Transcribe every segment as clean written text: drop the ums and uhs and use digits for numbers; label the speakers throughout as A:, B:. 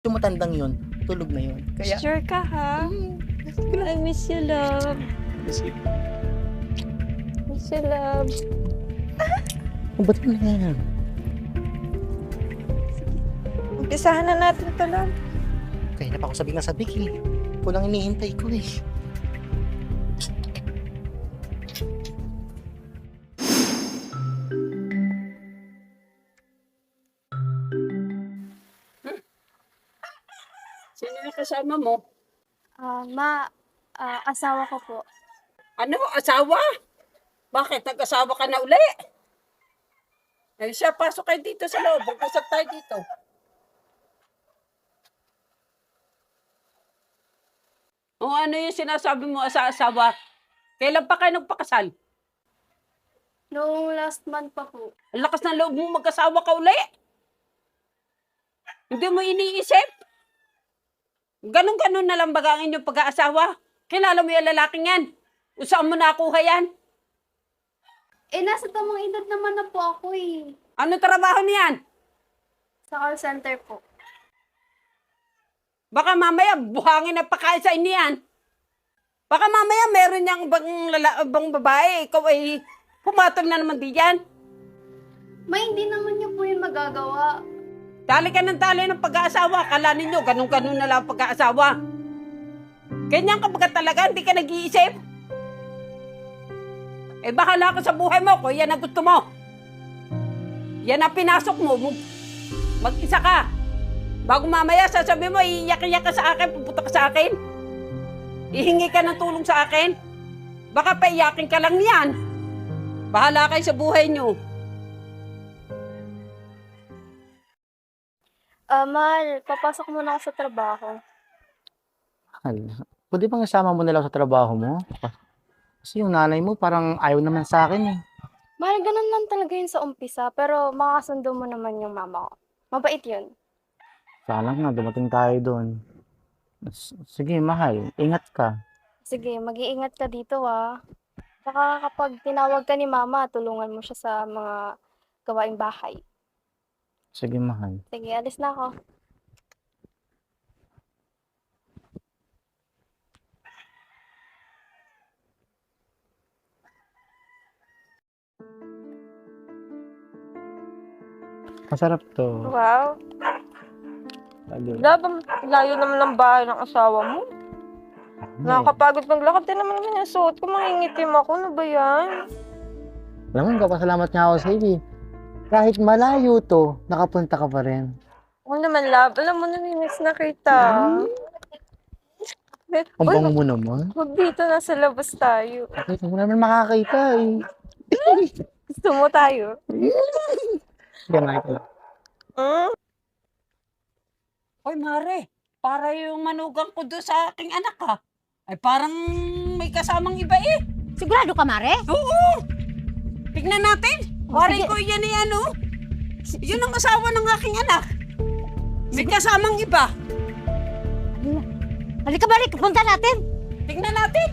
A: Yung matandang yun, tulog na yun. Kaya,
B: Sure ka, ha? I miss you, love. Miss you, love.
A: ba't mo na yan?
B: Umpisahan na natin ito, love.
A: Kaya na pa ako sabi nga sa Vicky. Kulang hinihintay ko eh.
C: Sino yung kasama mo?
D: Asawa ko po.
C: Ano? Asawa? Bakit? Nag-asawa ka na uli? Eh siya, pasok kayo dito sa loob. Mag-usap tayo dito. O ano yung sinasabi mo sa asawa? Kailan pa kayo nagpakasal?
D: Noong last month pa po.
C: Ang lakas ng loob mo mag-asawa ka uli? Hindi mo iniisip? Ganon-ganon na lang baga ang inyong pag-aasawa? Kilala mo yung lalaking yan? O saan mo nakuha yan?
D: Nasa tamang edad naman na po ako eh.
C: Ano trabaho niyan?
D: Sa call center po.
C: Baka mamaya buhangin na pakain sa inyo yan. Baka mamaya meron niyang bang babae. Ikaw ay pumatol na naman di yan.
D: Hindi naman niyo po yung magagawa.
C: Tali ka ng tali ng pag-aasawa. Kala ninyo, ganun-ganun na lang ang pag-aasawa. Ganyan ka baga talaga, hindi ka nag-iisip. Eh bahala ka sa buhay mo kung yan ang gusto mo. Yan ang pinasok mo. Mag-isa ka. Bago mamaya sasabihin mo, iiyak-iyak ka sa akin, pupunta ka sa akin. Ihingi ka ng tulong sa akin. Baka paiyakin ka lang yan. Bahala kayo sa buhay nyo.
D: Mahal, papasok muna ako sa trabaho.
A: Pwede bang isama mo na lang sa trabaho mo? Kasi yung nanay mo parang ayaw naman sa akin eh.
D: Mahal, ganun lang talaga yun sa umpisa, pero makakasundo mo naman yung mama ko. Mabait yun.
A: Sana nga dumating tayo doon. Sige, mahal. Ingat ka.
D: Sige, mag-iingat ka dito ah. Saka kapag tinawag ka ni mama, tulungan mo siya sa mga gawaing bahay.
A: Sige, mahal.
D: Sige, alis na ako.
A: Masarap to.
B: Wow.
A: Lalo.
B: Layo naman ng bahay ng asawa mo. Nakakapagod maglakad din naman yung suot ko. Mangingitim ako. Ano ba yan?
A: Alam mo, kapasalamat nga ako sa iyo. Kahit malayo to, nakapunta ka pa rin.
B: Oo naman, love. Alam mo, namimiss na kita.
A: Ang
B: Uy,
A: bango mo naman.
B: wag dito, nasa labas tayo.
A: Hindi mo naman makakita eh.
B: Gusto mo tayo?
A: Ganun ka lang.
C: Hoy, Mare, para yung manugang ko doon sa aking anak ha. Ay parang may kasamang iba eh.
E: Sigurado ka, Mare?
C: Oo! Tignan natin. Mare
E: sige.
C: ko yan eh ano. Yun ang asawa ng aking anak. May kasamang iba.
E: Halika, Mare, punta natin.
C: Tignan natin.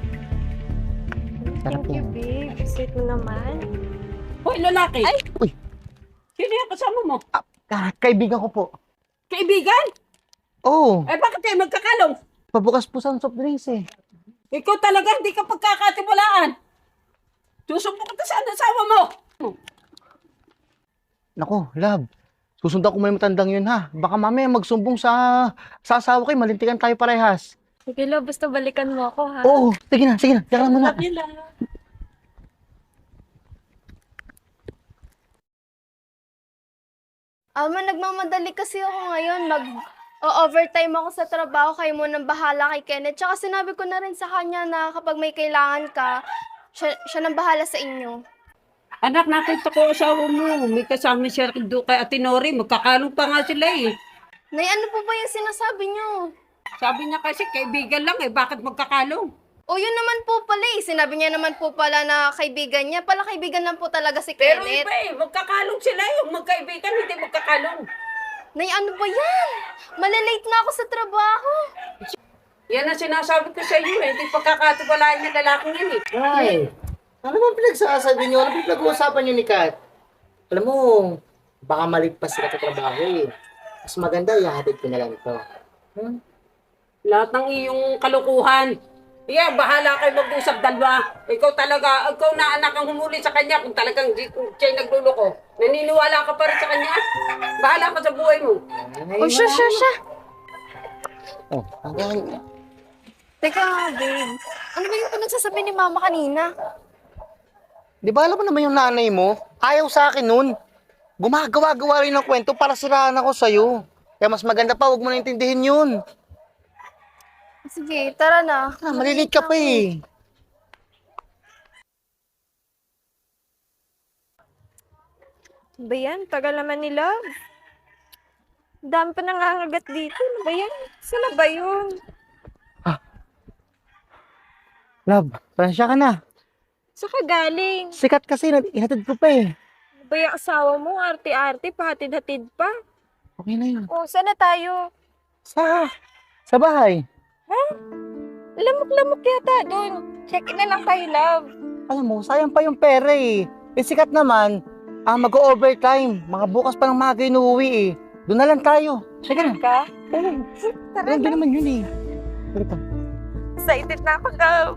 A: Sarap
B: Thank you,
A: yan.
B: babe. Sweet mo naman.
C: Hoy, lalaki.
E: Ay!
A: Uy!
C: Sino yung kasama mo?
A: Kaibigan ko po.
C: Kaibigan?
A: Oo,
C: Eh bakit kayo magkakalong?
A: pabukas po sa soft drinks eh.
C: Ikaw talaga hindi ka pagkakatiwalaan. Susumbong kita sa asawa mo.
A: Nako, love. Susundan ko mo yung matandang yun ha. Baka mamaya magsumbong sa asawa ko, malintikan tayo parehas.
D: Sige, love, basta balikan mo ako ha.
A: Oo, sige na. Teka lang muna.
C: Love you lang.
D: Nagmamadali kasi ako ngayon. Overtime ako sa trabaho, kayo mo nang bahala kay Kenneth. Tsaka sinabi ko na rin sa kanya na kapag may kailangan ka, siya nang bahala sa inyo.
C: Anak, nakita ko asawa mo. May kasama siya doon kay Ate Nori. Magkakalong pa nga sila eh.
D: Nay, ano po ba yung sinasabi niyo?
C: Sabi niya kasi kaibigan lang eh. Bakit magkakalong?
D: O yun naman po pala eh. Sinabi niya naman po pala na kaibigan niya. Pala kaibigan lang po talaga si
C: Pero
D: Kenneth.
C: iba eh. Magkakalong sila yung magkaibigan. Hindi magkakalong.
D: Nay, ano ba yan? Malalate na ako sa trabaho.
C: Yan ang sinasabi ko sa iyo eh. Hindi pagkakatiwalaan niya lalaking yan eh.
A: Ay, ano bang pinagsasabi niyo? Ano pinag-uusapan niyo ni Kat? Alam mo, baka maligpas sila sa trabaho eh. Mas maganda, ihahatid ko na lang ito.
C: Lahat ng iyong kalukuhan. Yeah, bahala kayo mag-usap dalawa. Ikaw talaga, ikaw na anak ang humuli sa kanya kung talagang siya'y nagluloko. Naniniwala ka pa rin sa kanya? Bahala ka sa buhay mo.
B: Oh, siya.
A: Oh, hanggang...
D: Teka nga, babe. Ano ba yung pinagsasabi ni mama kanina?
A: Di ba alam mo naman yung nanay mo? Ayaw sa akin nun. Gumagawa-gawa rin ng kwento para siraan ako sa'yo. Kaya mas maganda pa, huwag mo na intindihin yun.
D: Sige, tara na.
A: Malilate ka pa eh.
B: Ba yan? Tagal naman nila. Dami pa nangangagat dito. Ano ba yan? Saan na ba yun?
A: Love, pasensya ka na.
B: Saan ka galing?
A: Sikat kasi, ihatid ko pa eh.
B: Ano ba yung asawa mo? Arte-arte, pahatid-hatid pa.
A: Okay na yun.
B: Oh, saan na tayo?
A: Sa bahay.
B: Lamok-lamok yata doon. Check in na lang tayo, love.
A: Alam mo, sayang pa yung pera eh. Eh sikat naman, mag-overtime. Mga bukas pa ng maga yung uuwi eh. Doon na lang tayo. Sige na.
B: Ka?
A: Tara na. Doon naman yun eh. Tara pa.
B: Excited na ako, love.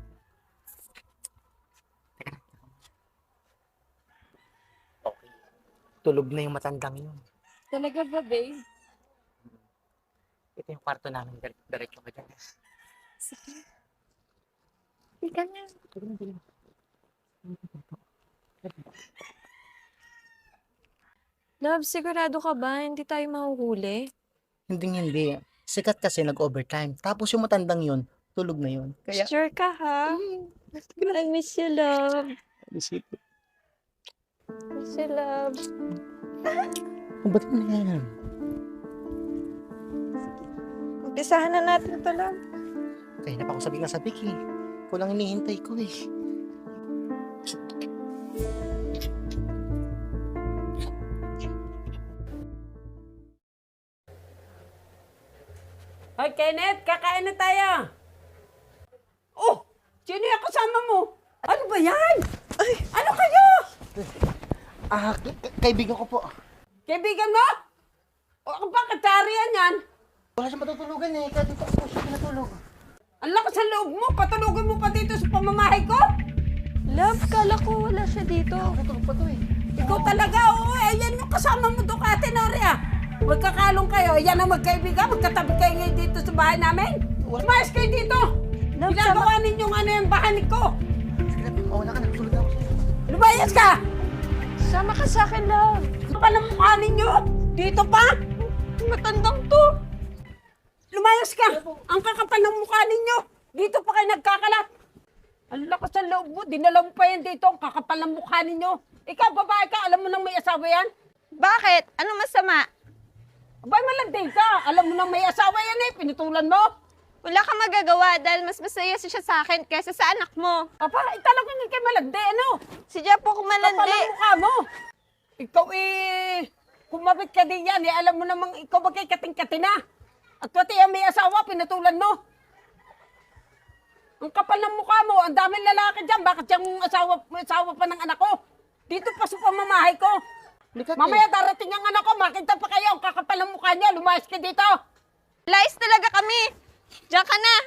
A: Tulog na yung matandang yun.
B: Talaga ba, babe?
A: Ito yung kwarto namin. Diretso ka dyan.
B: Ika na. Love, sigurado ka ba? Hindi tayo mahuhuli?
A: Hindi. Sikat kasi nag-overtime. Tapos yung matandang yun, tulog na yun. Kaya,
B: Sure ka, ha? I miss you, love. Miss you, love.
A: ba't mo na yan?
B: Umpisahan na natin to, love.
A: Kaya na pa ako sabi nga sa Vicky. Kulang hinihintay ko eh.
C: Hoy, Kenneth, kakain na tayo. Oh, sino yung kasama mo? Ano ba yan? Ano kayo?
A: Kaibigan ko po.
C: Kaibigan mo? O, bakit tarihan yan?
A: Wala siya matutulugan eh. Kaya dito ako siya pinatulog.
C: Ang lakas sa loob mo, patulogin mo pa dito sa pamamahay ko?
B: Love, kala ko wala siya dito.
A: Tutulog pa to eh.
C: Ikaw talaga, oo. Ayan yung kasama mo doon, Ate Noria. Magkakalong kayo. Ayan ang magkaibigan. Magkatabi kayo ngayon dito sa bahay namin. Umayos kayo dito.
B: Love,
C: Ginagawa ninyong ano yung bahay ko.
A: Sige na, mawala ka na. Tulog na ako sa'yo.
C: Lumayas ka!
B: Sama ka sa akin, love.
C: Ano ka ng mukha ninyo? Dito pa?
B: Matandang to.
C: Lumayas ka! Ang kakapal ng mukha ninyo! Dito pa kayo nagkakalat! Ang lakas ng loob mo, dinala mo pa yan dito, ang kakapal ng mukha ninyo! Ikaw, babae ka, alam mo nang may asawa yan?
B: Bakit? Ano masama?
C: Abay, malandi ka! Alam mo nang may asawa yan eh, pinutulan mo!
B: Wala kang magagawa dahil mas masaya siya sa akin kaysa sa anak mo.
C: Apa, talagang hindi kayo malandi, ano?
B: Si Japo kung
C: Kapal
B: malandi.
C: ang mukha mo! Ikaw eh, kumabit ka din yan eh, alam mo namang ikaw ba kay kating-katina? At pati ang may asawa, pinutulan mo! Ang kapal ng mukha mo, ang daming lalaki dyan, bakit yung asawa pa ng anak ko? Dito pa sa pamamahay ko. Mamaya darating ang anak ko, makita pa kayo, ang kakapal ng mukha niya, lumayas ka dito.
B: Lies talaga kami. Diyan ka na.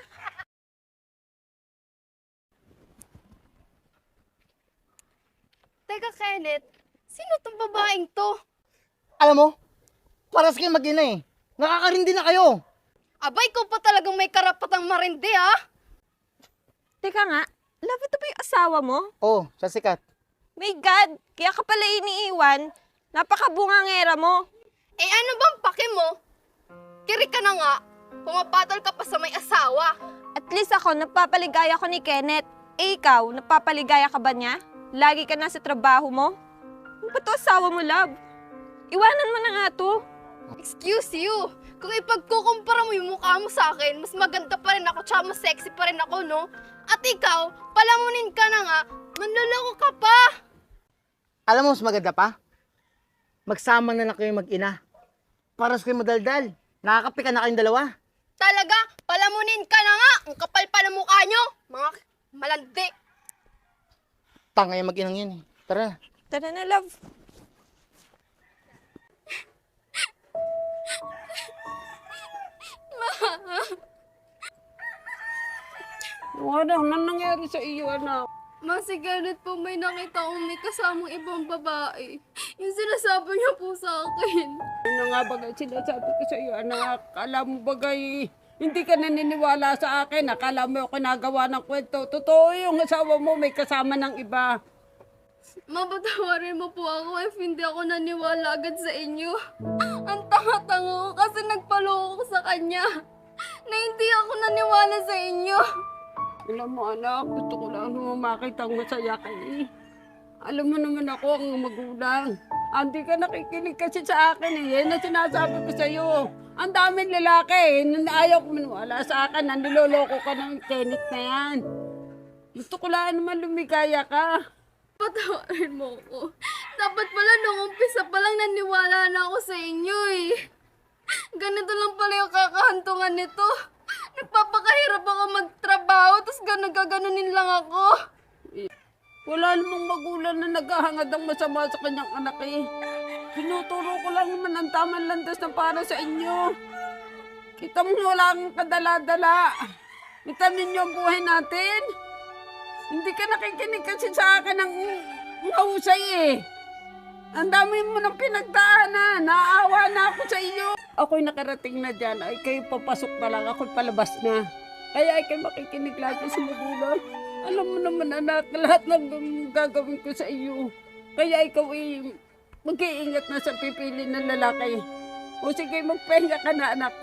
D: Teka, Kenneth. Sino tong babaeng to?
A: Alam mo, paras kayo mag-ina eh. Nakakarindi na kayo.
D: Abay, ko pa talagang may karapatang marindi, ha?
B: Teka nga, love, ito ba yung asawa mo?
A: Oo, sa sikat.
B: My God, kaya ka pala iniiwan. Napakabungangera mo.
D: Eh, ano bang pake mo? Kiri ka na nga. Pumapatol ka pa sa may asawa.
B: At least ako, napapaligaya ko ni Kenneth. Eh ikaw, napapaligaya ka ba niya? Lagi ka na sa trabaho mo? Ano ba to asawa mo, love? Iwanan mo na nga to.
D: Excuse you. Kung ipagkukumpara mo yung mukha mo sa akin, mas maganda pa rin ako, tsaka mas sexy pa rin ako, no? At ikaw, palamunin ka na nga, manloloko ka pa.
A: Alam mo, mas maganda pa? Magsama na lang kayo mag-ina. Paras kayo madaldal. Nakakapi ka na kayong dalawa.
D: Talaga, palamunin ka na nga. Ang kapal pa ng mukha nyo. Mga malandi.
A: Tanga yung mag-inang yan eh. Tara na.
B: Tara na, love.
C: Ano nangyari sa iyo, anak?
D: Ma, si Kenneth po may nakita kong may kasamang ibang babae. Yung sinasabi niya po sa akin.
C: Ano nga bagay sinasabi ko sa iyo, anak? Alam mo bagay, hindi ka naniniwala sa akin. Akala mo ako nagawa ng kwento. Totoo yung asawa mo may kasama ng iba.
D: Mapatawarin mo po ako if hindi ako naniwala agad sa inyo. Ang tanga-tanga ko kasi nagpaloko ko sa kanya. Na hindi ako naniwala sa inyo.
C: Alam mo anak, gusto ko lang naman makita ang masaya ka eh. Alam mo naman ako ang magulang. Hindi ka nakikinig kasi sa akin eh. Yan ang sinasabi ko sa iyo. Ang daming lalaki eh. Ayaw ko maniwala sa akin. Nandiloloko ka ng Kenneth na yan. Gusto ko lang naman lumigaya ka.
D: Patawarin mo ko. Dapat pala nung umpisa pa lang naniwala na ako sa inyo eh. Ganito lang pala yung kakahantungan nito. Nagpapakahirap ako magtrabaho, tapos gaganunin lang ako.
C: Wala namang magulang na naghahangad ng masama sa kanyang anak eh. Tinuturo ko lang naman ang tamang landas na para sa inyo. Kita mo wala kang kadala-dala. Kita ninyo ang buhay natin. Hindi ka nakikinig kasi sa akin ng mahusay eh. Ang dami mo ng pinagdaanan. Naawa na ako sa iyo. Ako'y nakarating na dyan. Ay kayo papasok na lang. Ako'y palabas na. Kaya ay kayo makikinig lagi sa magulang. Alam mo naman anak, lahat ng gagawin ko sa iyo. Kaya ikaw ay mag-iingat na sa pipili ng lalaki. O sige, magpahinga ka na anak.